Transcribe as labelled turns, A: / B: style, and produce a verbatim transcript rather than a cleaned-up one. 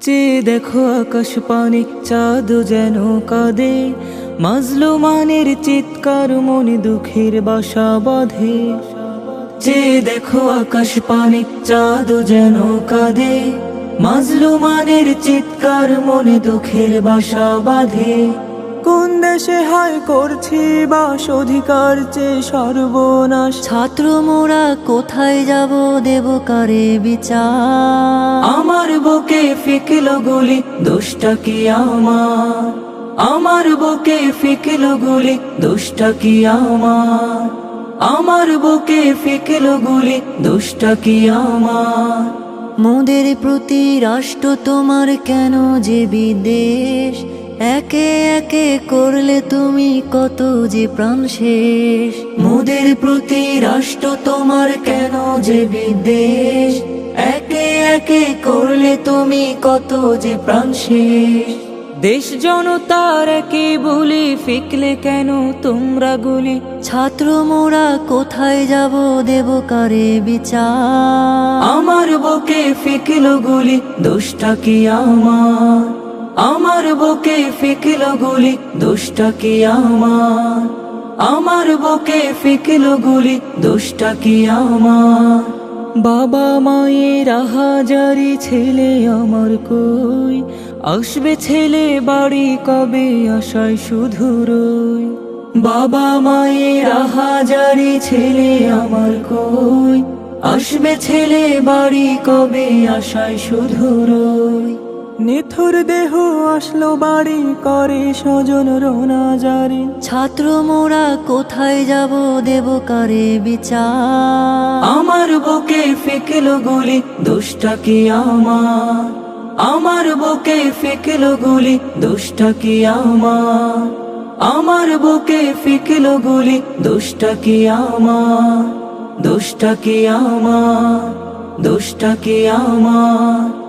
A: চেয়ে দেখো আকাশ পানে চাঁদ যেন কাঁদে, মাজলুমানের চিৎকার মনে দুঃখের বাসা বাঁধে। চেয়ে দেখো আকাশ পানে চাঁদ যেন কাঁদে, মাজলুমানের চিৎকার মনে দুঃখের বাসা বাঁধে। কোন দেশে হায় করছি বাস, অধিকার চেয়ে সর্বনাশ।
B: ছাত্র মোরা কোথায় যাব, দেব কারে বিচার?
A: আমার বুকে ফিকলো গুলি, দোষটা কি আমার? আমার বুকে ফিকলো গুলি, দোষটা কি আমার? আমার বুকে ফিকলো গুলি, দোষটা কি আমার?
B: মোদের প্রতি রাষ্ট্র তোমার কেন যে বিদ্বেষ? একে একে করলে তুমি কত যে প্রাণ শেষ।
A: মোদের প্রতি রাষ্ট্র তোমার কেন যে বিদ্বেষ? একে একে করলে তুমি কত যে প্রাণ শেষ। দেশ জনতার একে বলি, ফিকলে কেন তোমরা গুলি?
B: ছাত্র মোরা কোথায় যাব, দেব কারে বিচার?
A: আমার বুকে ফিকলো গুলি, দোষটা কি আমার? আমার বুকে ফিকলো গুলি, দোষটা কি আমার? আমার বুকে ফিকলো গুলি, দোষটা কি আমার? বাবা মায়ের আহাজারি, ছেলে আমার কই? আসবে ছেলে বাড়ি কবে, আশায় শুধু রই। বাবা মায়ের আহাজারি, ছেলে আমার কই? আসবে ছেলে বাড়ি কবে, আশায় শুধু রই। নিথুর দেহ আসলো বাড়ি, করে স্বজন রোনা জারি।
B: ছাত্র মোরা কোথায় যাব, দেব কারে বিচার?
A: আমার বুকে ফিকলো গুলি, দোষটা কি আমার? আমার বুকে ফিকলো গুলি, দোষটা কি আমার? আমার বুকে ফিকলো গুলি, দোষটা কি আমার? দোষটা কি আমার? দোষটা কি আমার?